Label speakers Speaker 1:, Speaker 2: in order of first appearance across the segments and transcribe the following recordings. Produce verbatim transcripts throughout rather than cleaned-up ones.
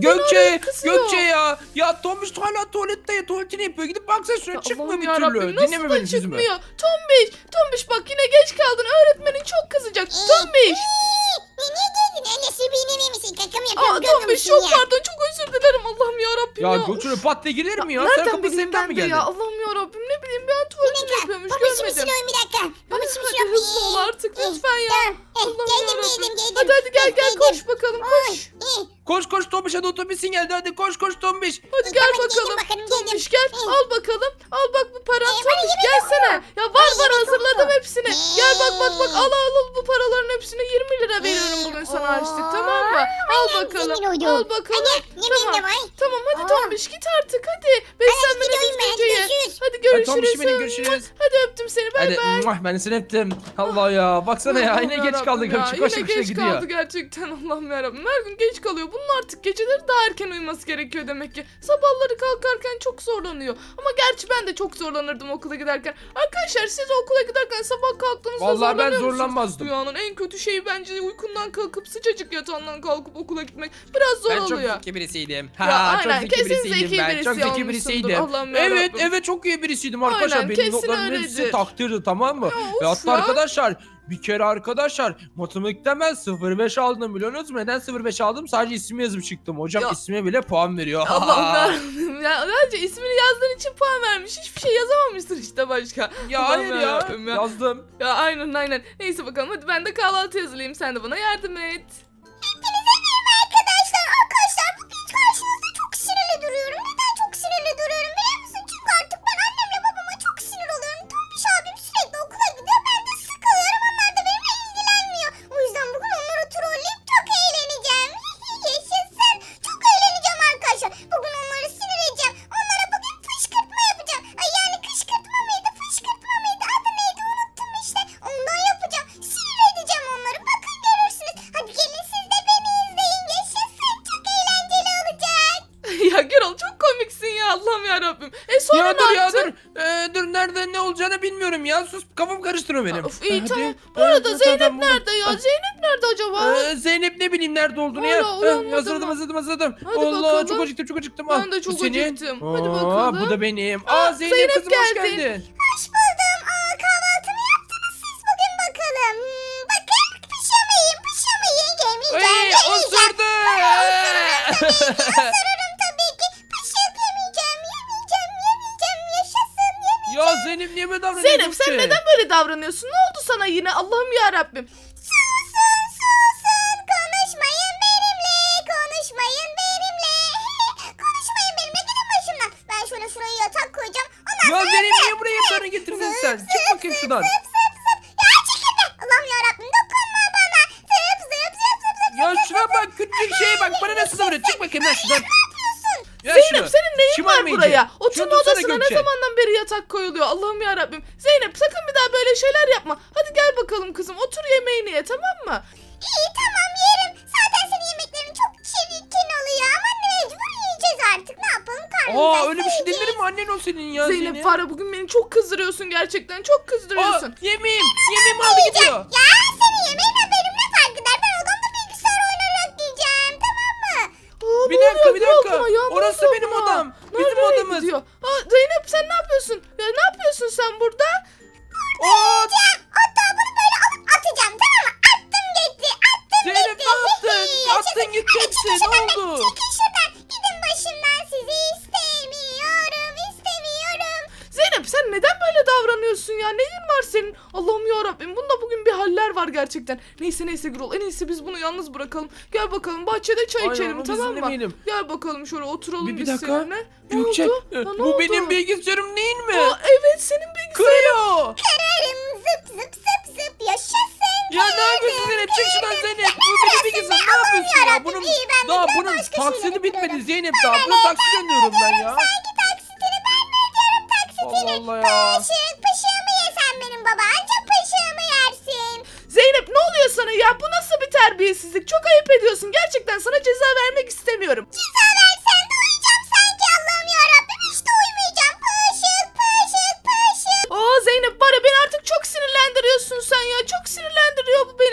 Speaker 1: Gökçe,
Speaker 2: kızıyor.
Speaker 1: Gökçe ya. Ya Tombiş hala tuvalette ya. Tuvaletini yapıyor. Gidip baksana şuna, çıkmıyor
Speaker 2: Allah'ım
Speaker 1: bir
Speaker 2: yarabbim,
Speaker 1: türlü.
Speaker 2: nasıl
Speaker 1: Dinleme
Speaker 2: da
Speaker 1: benim sözümü.
Speaker 2: çıkmıyor? Tombiş, Tombiş bak yine geç kaldın. Öğretmenin çok kızacak. Tombiş.
Speaker 3: Ne ne dedin? Annesi beni misin? Kakamı
Speaker 2: Aa
Speaker 3: yapıyorum. Görmüyor
Speaker 2: Tombiş
Speaker 3: musun
Speaker 2: çok
Speaker 3: ya?
Speaker 2: pardon, çok özür dilerim. Allah'ım yarabbim ya.
Speaker 1: Ya Gökçe pat diye girer mi ya? Sen
Speaker 2: Nereden
Speaker 1: kapı
Speaker 2: bileyim
Speaker 1: sevden
Speaker 2: ben
Speaker 1: mi
Speaker 2: de
Speaker 1: geldin?
Speaker 2: ya? Allah'ım yarabbim, ne bileyim ben
Speaker 3: Bir
Speaker 2: tuvaletini
Speaker 3: dakika.
Speaker 2: yapıyormuş,
Speaker 3: Baba şimdi
Speaker 2: görmedim.
Speaker 3: silahım bir dakika. Baba şimdi
Speaker 2: Hadi
Speaker 3: silahım.
Speaker 2: hızlı ol artık lütfen ya.
Speaker 3: Tamam. Eh,
Speaker 2: Allah'ım
Speaker 3: Geldim
Speaker 2: yarabbim.
Speaker 3: geldim geldim.
Speaker 2: Hadi hadi gel gel,
Speaker 3: Geldim.
Speaker 2: koş bakalım, koş.
Speaker 3: Ay, eh,
Speaker 1: Koş koş Tombiş, hadi otobüsün geldi. Hadi koş koş Tombiş.
Speaker 2: Hadi
Speaker 3: İyi,
Speaker 2: gel
Speaker 3: tamam, geldim
Speaker 2: bakalım.
Speaker 3: bakalım,
Speaker 2: Tombiş
Speaker 3: geldim.
Speaker 2: gel,
Speaker 3: Eh.
Speaker 2: al bakalım. Al bak bu paran.
Speaker 3: Eh, bana
Speaker 2: Tombiş
Speaker 3: yemek
Speaker 2: gelsene.
Speaker 3: yok mu?
Speaker 2: Ya var
Speaker 3: Bana
Speaker 2: var,
Speaker 3: yemek yok
Speaker 2: hazırladım
Speaker 3: mu?
Speaker 2: hepsini.
Speaker 3: Eh.
Speaker 2: Gel bak bak bak, al al al bu paraların hepsini yirmi lira veriyorum bugün sana harçlık, tamam mı? Al bakalım.
Speaker 3: zengin oldum.
Speaker 2: Al bakalım.
Speaker 3: Hadi, yemeğim de var.
Speaker 2: Tamam hadi
Speaker 3: Aa.
Speaker 2: Tombiş git artık hadi. Beslenmeni
Speaker 3: gidiyorum ben,
Speaker 2: düzgünce ye.
Speaker 3: görüşürüz.
Speaker 2: Hadi
Speaker 1: Hadi Tombiş
Speaker 2: görüşürüz.
Speaker 1: benim, görüşürüz.
Speaker 2: Hadi öptüm seni, bay
Speaker 1: Hadi
Speaker 2: bay.
Speaker 1: muah, ben seni öptüm. Allah ya. Baksana ya, yine geç
Speaker 2: Yarabbim
Speaker 1: kaldık.
Speaker 2: ya,
Speaker 1: Gökçe koş
Speaker 2: yine
Speaker 1: koş
Speaker 2: geç
Speaker 1: gidiyor.
Speaker 2: kaldı gerçekten, Allah'ım yarabbim. Her gün geç kalıyor. Bunun artık geceleri daha erken uyuması gerekiyor demek ki. Sabahları kalkarken çok zorlanıyor. Ama gerçi ben de çok zorlanırdım okula giderken. Arkadaşlar siz okula giderken sabah kalktığınızda
Speaker 1: Vallahi ben
Speaker 2: zorlanıyor musunuz?
Speaker 1: zorlanmazdım.
Speaker 2: Dünyanın en kötü şeyi bence uykundan kalkıp sıcacık yatağından kalkıp okula gitmek. Biraz zor
Speaker 1: Ben çok
Speaker 2: oluyor.
Speaker 1: zeki birisiydim.
Speaker 2: Ya
Speaker 1: Ha,
Speaker 2: aynen,
Speaker 1: çok zeki
Speaker 2: kesin
Speaker 1: birisiydim
Speaker 2: zeki
Speaker 1: ben.
Speaker 2: birisi
Speaker 1: Çok zeki
Speaker 2: olmuşsundur.
Speaker 1: birisiydim.
Speaker 2: Allah'ım
Speaker 1: Evet
Speaker 2: yarabbim.
Speaker 1: evet, çok iyi birisiydim arkadaşlar.
Speaker 2: Aynen,
Speaker 1: Benim
Speaker 2: kesin
Speaker 1: notlarımın
Speaker 2: öyledir.
Speaker 1: hepsi takdirdi, tamam mı?
Speaker 2: Ya
Speaker 1: Ve
Speaker 2: of
Speaker 1: hatta
Speaker 2: ya.
Speaker 1: arkadaşlar, bir kere arkadaşlar matematikten ben sıfır beş aldım, biliyor musunuz? Neden sıfır beş aldım? Sadece ismi yazıp çıktım. Hocam
Speaker 2: Ya.
Speaker 1: ismime bile puan veriyor.
Speaker 2: Allah'ım yarabbim. Ya önce ismini yazdığın için puan vermiş. Hiçbir şey yazamamışsın işte başka.
Speaker 1: Ya
Speaker 2: Allah'ım
Speaker 1: hayır ya.
Speaker 2: yarabbim ya.
Speaker 1: Yazdım.
Speaker 2: Ya aynen aynen. Neyse bakalım, hadi ben de kahvaltı hazırlayayım. Sen de bana yardım et.
Speaker 3: Arkadaşlar arkadaşlar bugün karşınızda çok sinirli duruyorum. Neden çok sinirli duruyorum biliyor musun? Çünkü artık ben annemle babama çok sinir oluyorum. Tombiş abim sürekli okula gidiyor. Ben de sıkılıyorum. Onlar da benimle ilgilenmiyor. O yüzden bugün onları trolleyip çok eğleneceğim. Yaşasın. Çok eğleneceğim arkadaşlar. Bugün onları sinir edeceğim. Onlara bugün fışkırtma yapacağım. Ay yani kışkırtma mıydı? Fışkırtma mıydı? Adı neydi? Unuttum işte. Ondan yapacağım. Sinir edeceğim onları. Bakın görürsünüz. Hadi gelin siz de beni izleyin. Yaşasın. Çok eğlenceli olacak.
Speaker 2: Ya Gürol çok komiksin ya, Allah'ım yarabbim. E sonra
Speaker 1: Ya
Speaker 2: ne
Speaker 1: dur ya
Speaker 2: yaptın?
Speaker 1: dur. Ee, dur, nerede ne olacağını bilmiyorum ya. Sus, kafam karıştırıyor benim.
Speaker 2: Of iyi
Speaker 1: Hadi.
Speaker 2: tamam. Bu
Speaker 1: Ee,
Speaker 2: arada
Speaker 1: tamam,
Speaker 2: Zeynep
Speaker 1: tamam, buldum.
Speaker 2: nerede ya? Zeynep nerede acaba?
Speaker 1: Ee, Zeynep ne bileyim nerede olduğunu
Speaker 2: Hala
Speaker 1: ya.
Speaker 2: uyanmadı
Speaker 1: Ee, hazırladım
Speaker 2: mı?
Speaker 1: hazırladım hazırladım.
Speaker 2: Hadi
Speaker 1: Allah
Speaker 2: bakalım.
Speaker 1: çok acıktım çok acıktım.
Speaker 2: Ben
Speaker 1: Al,
Speaker 2: de
Speaker 1: bu
Speaker 2: çok
Speaker 1: senin.
Speaker 2: acıktım. Hadi
Speaker 1: Aa,
Speaker 2: bakalım.
Speaker 1: bu da benim.
Speaker 2: Aa,
Speaker 1: Aa, Zeynep,
Speaker 2: Zeynep
Speaker 1: kızım hoş
Speaker 2: geldin.
Speaker 1: geldin.
Speaker 3: Hoş buldum. Aa, kahvaltımı yaptınız siz bugün bakalım. Hmm, bakın pişamayın pişamayın. Yemeyeceğim
Speaker 1: Ay,
Speaker 3: yemeyeceğim.
Speaker 1: osurdu.
Speaker 3: Isırırım tabii ki. Pişirip yemeyeceğim yemeyeceğim yemeyeceğim. Yaşasın yemeyeceğim.
Speaker 1: Ya Zeynep niye böyle davranıyorsun?
Speaker 2: Zeynep sen neden böyle davranıyorsun? Ne oldu sana yine? Allah'ım yarabbim.
Speaker 3: Susun susun. Konuşmayın benimle. Konuşmayın benimle. Konuşmayın benimle. Gidin başımdan. Ben şöyle şuraya yatak koyacağım. Ondan
Speaker 1: Ya
Speaker 3: sonra
Speaker 1: Zeynep
Speaker 3: zıp,
Speaker 1: niye buraya yatağını getirdin sen?
Speaker 3: zıp,
Speaker 1: Çık
Speaker 3: zıp,
Speaker 1: bakayım
Speaker 3: zıp,
Speaker 1: şuradan.
Speaker 3: Zıp zıp zıp. Ya çekil be. Allah'ım yarabbim dokunma bana. Zıp zıp zıp zıp zıp.
Speaker 1: Ya şuna bak, küçücük şeye bak, bana nasıl davranıyor? Çık bakayım lan şuradan. Ya
Speaker 2: Zeynep
Speaker 1: şunu.
Speaker 2: senin neyin var
Speaker 1: Şımarmayınca.
Speaker 2: buraya?
Speaker 1: Şunu
Speaker 2: Oturma
Speaker 1: tutsana
Speaker 2: odasına ne
Speaker 1: Gökçe.
Speaker 2: zamandan beri yatak koyuluyor? Allah'ım yarabbim. Zeynep sakın bir daha böyle şeyler yapma. Hadi gel bakalım kızım, otur yemeğini ye, tamam mı?
Speaker 3: İyi tamam yerim. Zaten senin yemeklerin çok çirkin oluyor ama mecbur yiyeceğiz artık. Ne yapalım karnımıza
Speaker 1: Aa, öyle bir şey
Speaker 3: sığacağız.
Speaker 1: denir mi? Annen o senin ya
Speaker 2: Zeynep
Speaker 1: Zeynep.
Speaker 2: Fare bugün beni çok kızdırıyorsun gerçekten. Çok kızdırıyorsun.
Speaker 1: Aa, yemeğim. Yemeğim aldı gidiyor.
Speaker 3: Ya senin yemeğinle benim ne fark eder? Ben odamda bilgisayar oynayarak yiyeceğim tamam mı?
Speaker 2: Aa,
Speaker 1: Bir
Speaker 2: ne
Speaker 1: dakika,
Speaker 2: oluyor
Speaker 1: bir
Speaker 2: Gürol
Speaker 1: dakika.
Speaker 2: buna ya? Ne
Speaker 1: Orası
Speaker 2: oluyor
Speaker 1: benim
Speaker 2: buna?
Speaker 1: odam. Bizim
Speaker 2: Nereye
Speaker 1: odamız.
Speaker 2: gidiyor? Aa, Zeynep sen ne yapıyorsun? Ya ne yapıyorsun sen burada?
Speaker 1: Aa,
Speaker 3: Yiyeceğim. Hatta bunu böyle alıp atacağım tamam mı? Attım gitti. Attım
Speaker 1: Zeynep
Speaker 3: gitti.
Speaker 1: ne yaptın?
Speaker 3: Yaşasın.
Speaker 1: Attın gitti
Speaker 3: Hadi
Speaker 1: hepsi.
Speaker 3: çıkın
Speaker 1: Ne
Speaker 3: şuradan be,
Speaker 1: oldu?
Speaker 3: Çıkın şuradan. Gidin başımdan sizi istemiyorum. istemiyorum.
Speaker 2: Zeynep sen neden böyle davranıyorsun ya? Neyin var senin? Allah'ım yarabbim, bunda bugün bir haller var gerçekten. Neyse neyse Gürol, en iyisi biz bunu yalnız bırakalım. Gel bakalım bahçede çay
Speaker 1: Aynen,
Speaker 2: içelim,
Speaker 1: onu biz
Speaker 2: tamam mı?
Speaker 1: dinlemeyelim.
Speaker 2: Gel bakalım şöyle oturalım
Speaker 1: Bir, bir
Speaker 2: biz
Speaker 1: dakika.
Speaker 2: seninle. Ne
Speaker 1: Gökçe,
Speaker 2: oldu?
Speaker 1: e,
Speaker 2: Ya, ne
Speaker 1: bu
Speaker 2: oldu?
Speaker 1: benim bilgisayarım değil mi?
Speaker 2: Aa, evet senin bilgisayarın.
Speaker 1: Kırıyor.
Speaker 3: Kırarım zıp zıp zıp zıp yaşasın.
Speaker 1: Ya ne yapıyorsun Zeynep? Çık şuradan Zeynep. Bu benim bilgisayarım. Ne yapıyorsun ya?
Speaker 3: yarabbim,
Speaker 1: Bunun,
Speaker 3: iyi, ben de
Speaker 1: daha
Speaker 3: biraz
Speaker 1: bunun
Speaker 3: başka şeyler
Speaker 1: taksidi bitmedi
Speaker 3: yapıyorum.
Speaker 1: Zeynep daha. Bunun taksidi ödüyorum ben ya.
Speaker 3: Sanki taksitini ben mi ödüyorum taksitini?
Speaker 1: Allah Allah ya.
Speaker 3: Pışık pışığımı yesen benim baba. Ancak pışığımı yersin.
Speaker 2: Zeynep ne oluyor sana ya? Bu nasıl bir terbiyesizlik? Çok ayıp ediyorsun. Gerçekten sana ceza vermek istemiyorum.
Speaker 3: Ceza versen de uyuyacağım sanki Allah'ım yarabbim. Hiç de uyumayacağım. Pışık pışık pışık.
Speaker 2: Aa Zeynep var ya, beni artık çok sinirlendiriyorsun sen ya. Çok sinirlendiriyor bu beni. Neyse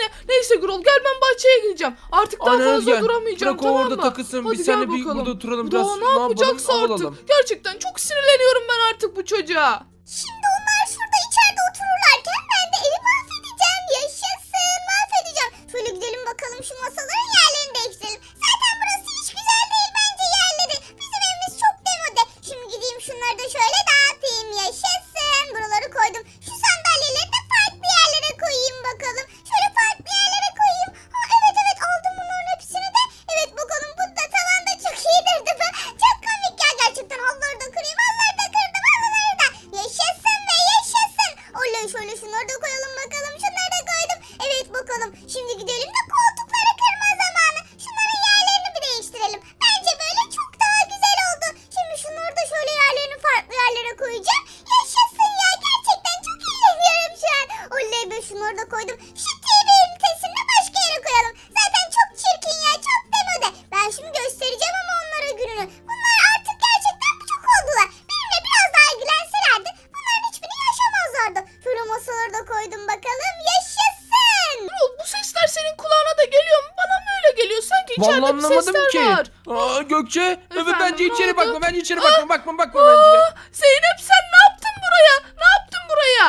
Speaker 2: Neyse Gürol gel ben bahçeye gideceğim. Artık daha
Speaker 1: Aynen,
Speaker 2: fazla
Speaker 1: gel.
Speaker 2: duramayacağım
Speaker 1: Bırak o
Speaker 2: tamam
Speaker 1: orada
Speaker 2: mı?
Speaker 1: takılsın.
Speaker 2: Hadi
Speaker 1: Biz
Speaker 2: gel
Speaker 1: seninle bir
Speaker 2: bakalım.
Speaker 1: burada oturalım.
Speaker 2: Bu
Speaker 1: Biraz
Speaker 2: daha
Speaker 1: ne
Speaker 2: ne
Speaker 1: yapalım?
Speaker 2: yapacaksa
Speaker 1: Hava
Speaker 2: artık.
Speaker 1: alalım.
Speaker 2: Gerçekten çok sinirleniyorum ben artık bu çocuğa.
Speaker 3: Şimdi onlar şurada içeride otururlarken ben de evi mahvedeceğim. Yaşasın, mahvedeceğim. Şöyle gidelim bakalım şu masaların yerlerini değiştirelim. Zaten burası hiç güzel değil bence yerleri. Bizim evimiz çok demode. Şimdi gideyim şunları da şöyle dağıtayım. Yaşasın. Buraları koydum. Şu sandalyeleri de farklı yerlere koyayım bakalım. Şöyle farklı yerlere koyayım. Ha, evet evet aldım bunların hepsini de. Evet bakalım bu da tavanda çok iyidir değil mi? Çok komik ya gerçekten. Halıları da kırayım. Halıları da kırdım. Halıları da. Yaşasın ve yaşasın. Oley şöyle şunları da koyalım bakalım. Şunları da koydum. Evet bakalım. Şimdi gidelim de koltukları kırma zamanı. Şunların yerlerini bir değiştirelim. Bence böyle çok daha güzel oldu. Şimdi şunları da şöyle yerlerini farklı yerlere koyacağım. Yaşasın ya gerçekten çok eğleniyorum şu an. Oley be şunları da koydum. Şu T V ünitesini de başka yere koyalım. Zaten çok çirkin ya çok demode. Ben şimdi göstereceğim ama onlara gününü. Bunlar artık gerçekten çok oldular. Benimle biraz daha ilgilenselerdi bunların hiçbirini yaşamazlardı. Şöyle masaları da koydum bakalım. Yaşasın.
Speaker 2: Gürol bu sesler senin kulağına da geliyor mu? Bana mı öyle geliyor? Sanki içeride
Speaker 1: Vallahi
Speaker 2: bir
Speaker 1: anlamadım
Speaker 2: sesler
Speaker 1: ki.
Speaker 2: var.
Speaker 1: Aa, Gökçe. Evet
Speaker 2: Efendim,
Speaker 1: bence
Speaker 2: ne
Speaker 1: içeri
Speaker 2: oldu?
Speaker 1: bakma. Bence içeri bakma. Bakma bakma bence.
Speaker 2: Aa, Zeynep sen ne yaptın buraya? Ne yaptın buraya?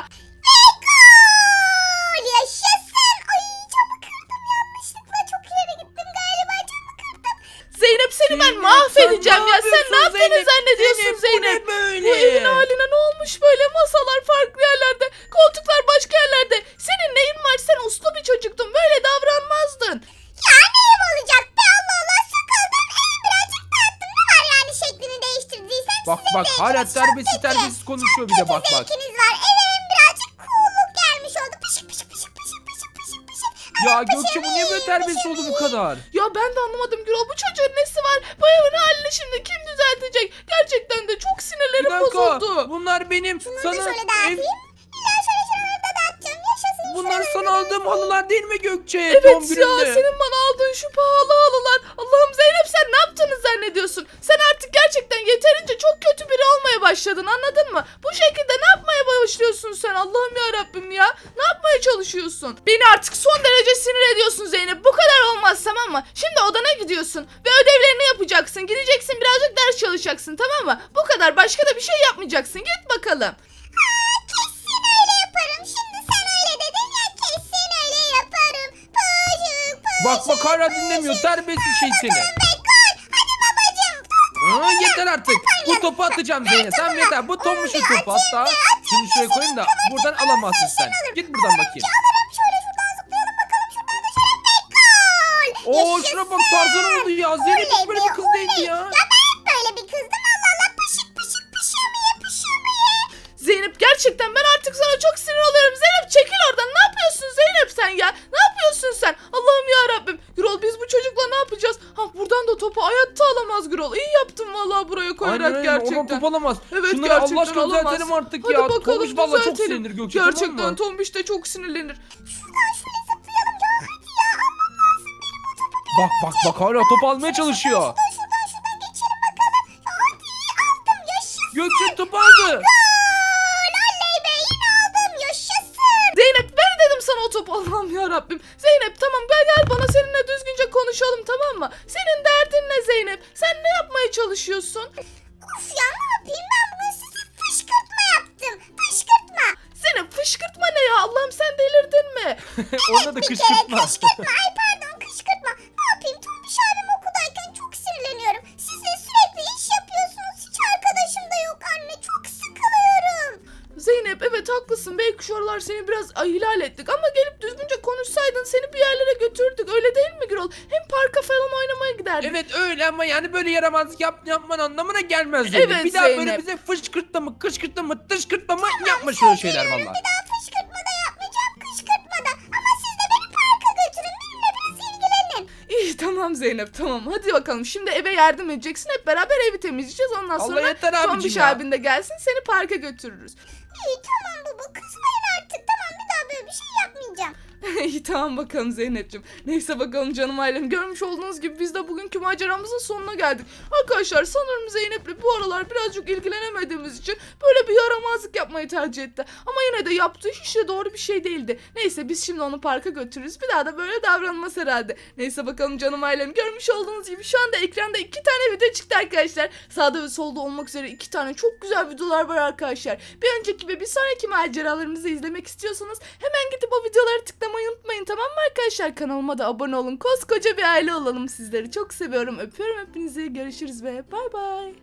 Speaker 3: Gol! Yaşasın. Ay camı kırdım yanlışlıkla. Çok ileri gittim galiba camı kırdım.
Speaker 2: Zeynep seni ben
Speaker 1: Zeynep,
Speaker 2: mahvedeceğim
Speaker 1: sen
Speaker 2: ya.
Speaker 1: ne
Speaker 2: Sen ne
Speaker 1: yapıyorsun
Speaker 2: yaptığını
Speaker 1: Zeynep?
Speaker 2: zannediyorsun Zeynep?
Speaker 1: Bu ne böyle?
Speaker 2: Bu evin haline ne olmuş böyle? Masalar farklı yerlerde, koltuklar başka yerlerde. Senin neyin var? Sen uslu bir çocuktun. Böyle davranmazdın.
Speaker 3: Ya neyim olacak be Allah Allah sıkıldım. Evi birazcık dağıttım. Ne var yani şeklini değiştirdiysem
Speaker 1: Bak
Speaker 3: sizin
Speaker 1: bak
Speaker 3: zevkiniz
Speaker 1: hala
Speaker 3: çok
Speaker 1: terbiyesiz
Speaker 3: kötü.
Speaker 1: terbiyesiz konuşuyor bir de bak bak.
Speaker 3: Zevkiniz var. Eve hem birazcık cool'luk gelmiş oldu. Pışık pışık pışık pışık pışık pışık pışık.
Speaker 1: Ya
Speaker 3: Ama
Speaker 1: Gökçe bu niye böyle terbiyesiz oldu bu kadar?
Speaker 2: Ya ben de anlamadım Gürol. Bu çocuğun nesi var? Bu evin halini şimdi kim düzeltecek? Gerçekten de çok
Speaker 1: Bir
Speaker 2: sinirlerim
Speaker 1: dakika.
Speaker 2: bozuldu.
Speaker 1: Bunlar benim
Speaker 3: Şunları da
Speaker 1: sana
Speaker 3: şöyle
Speaker 1: ev,
Speaker 3: dağıtayım. İlla şöyle şuraları da dağıtacağım. Yaşasın.
Speaker 1: bunlar
Speaker 3: şuraları
Speaker 1: sana
Speaker 3: da
Speaker 1: aldığım halılar değil mi Gökçe?
Speaker 2: Evet
Speaker 1: Doğum
Speaker 2: ya
Speaker 1: gününde.
Speaker 2: senin bana aldığın şu pahalı halılar. Allah'ım Zeynep sen ne yaptığını zannediyorsun? Sen artık gerçekten yeterince çok kötü biri olmaya başladın anladın mı? Bu şekilde ne yapmaya başlıyorsun sen Allah'ım ya Rabbim ya? Ne yapmaya çalışıyorsun? Beni artık son derece sinir ediyorsun Zeynep. Bu kadar olmaz tamam mı? Şimdi odana gidiyorsun ve ödevlerini yapacaksın. Gideceksin birazcık ders çalışacaksın tamam mı? Bu kadar başka da bir şey yapmayacaksın. Git bakalım.
Speaker 3: Aa, kesin öyle yaparım. Şimdi sen öyle dedin ya kesin öyle yaparım. Pışık pışık.
Speaker 1: Bak bak hala dinlemiyor terbiyesiz şey seni.
Speaker 3: Be gol. Hadi babacığım.
Speaker 1: Aa, yeter artık. Bu topu atacağım Zeynep. Sen yeter. Bu Tombuş'un topu hatta. Şunu şuraya koyayım da buradan alamazsın sen. Git buradan bakayım.
Speaker 3: Alırım şöyle şuradan zıplayalım bakalım. Şuradan da şöyle be gol.
Speaker 1: Oo
Speaker 3: Yaşasın.
Speaker 1: şuna bak Tarzan oldu ya. Zeynep hiç böyle bir kız değildi ya.
Speaker 3: Ya ben hep böyle bir kızdım. Allah Allah pışık pışık pışıyor mu ye pışıyor mu ye.
Speaker 2: Zeynep gerçekten ben artık sana çok sinir oluyorum. Zeynep çekil oradan. Ne yapıyorsun Zeynep sen ya? Ne yapıyorsun sen? Allah'ım ya Rabbim. Gürol biz bu çocukla ne yapacağız? Ha buradan da topu hayatta alamaz Gürol. İyi yaptın vallahi buraya koyarak
Speaker 1: Aynen öyle.
Speaker 2: gerçekten.
Speaker 1: Oradan top alamaz.
Speaker 2: Evet
Speaker 1: Şunları Allah
Speaker 2: gerçekten
Speaker 1: aşkına
Speaker 2: alamaz.
Speaker 1: düzeltelim artık
Speaker 2: Hadi
Speaker 1: ya.
Speaker 2: bakalım
Speaker 1: Tombiş valla çok
Speaker 2: düzeltelim.
Speaker 1: sinirlenir Gökçe
Speaker 2: Gerçekten
Speaker 1: tamam mı?
Speaker 2: Tombiş de çok sinirlenir.
Speaker 3: Şuradan şöyle zıplayalım ya hadi ya. Almam lazım benim o topu. Bir
Speaker 1: Bak bak bak hala top almaya çalışıyor.
Speaker 3: Şuradan şuradan şuradan geçelim bakalım. Ya hadi aldım yaşasın.
Speaker 1: Gökçe top aldı.
Speaker 3: Gol. Oley be yine aldım yaşasın.
Speaker 2: Zeynep ver dedim sana o topu. Allah'ım ya Rabbim. Zeynep tamam gel gel bana seninle düzgünce konuşalım tamam mı? Senin derdin ne Zeynep? Sen ne yapmaya çalışıyorsun?
Speaker 3: Of ya ne yapayım ben bugün size fışkırtma yaptım. Fışkırtma.
Speaker 2: Zeynep fışkırtma ne ya? Allah'ım sen delirdin mi?
Speaker 1: Onda da
Speaker 3: Bir kere
Speaker 1: kışkırtma.
Speaker 3: kışkırtma. Ay pardon kışkırtma. Ne yapayım Tombiş abim okuldayken çok sinirleniyorum. Siz de sürekli iş yapıyorsunuz. Hiç arkadaşım da yok anne. Çok sıkılıyorum.
Speaker 2: Zeynep evet haklısın. Belki şu aralar seni biraz ihlal ettik ama gelip düzgünce konuşsaydın seni bir yerlere götürdük. Öyle değil mi Gürol? Hem parka falan oynamaya giderdik.
Speaker 1: Evet öyle ama yani böyle yaramazlık yap, yapman anlamına gelmez Zeynep.
Speaker 2: Evet,
Speaker 1: bir daha böyle
Speaker 2: Zeynep.
Speaker 1: bize fışkırtma mı kışkırtma mı tışkırtma mı yapma şöyle şeyler valla.
Speaker 3: Bir daha fışkırtma da yapmayacağım. Kışkırtma da. Ama siz de beni parka götürün. Benimle biraz ilgilenin.
Speaker 2: İyi tamam Zeynep tamam. Hadi bakalım şimdi eve yardım edeceksin. Hep beraber evi temizleyeceğiz. Ondan
Speaker 1: Allah
Speaker 2: sonra
Speaker 1: yeter abicim
Speaker 2: Tombiş
Speaker 1: ya.
Speaker 2: abin de gelsin seni parka götürürüz.
Speaker 3: İyi tamam baba kızmayın artık. Tamam bir daha böyle bir şey yapmayacağım.
Speaker 2: İyi tamam bakalım Zeynep'ciğim. Neyse bakalım canım ailem. Görmüş olduğunuz gibi biz de bugünkü maceramızın sonuna geldik. Arkadaşlar sanırım Zeynep'le bu aralar birazcık ilgilenemediğimiz için böyle bir yaramazlık yapmayı tercih etti. Ama yine de yaptığı hiç de doğru bir şey değildi. Neyse biz şimdi onu parka götürürüz. Bir daha da böyle davranmaz herhalde. Neyse bakalım canım ailem. Görmüş olduğunuz gibi şu anda ekranda iki tane video çıktı arkadaşlar. Sağda ve solda olmak üzere iki tane çok güzel videolar var arkadaşlar. Bir önceki ve bir sonraki maceralarımızı izlemek istiyorsanız hemen gidip o videoları tıklamayı unutmayın, tamam mı arkadaşlar? Kanalıma da abone olun. Koskoca bir aile olalım, sizleri çok seviyorum. Öpüyorum hepinizi. Görüşürüz ve bay bay.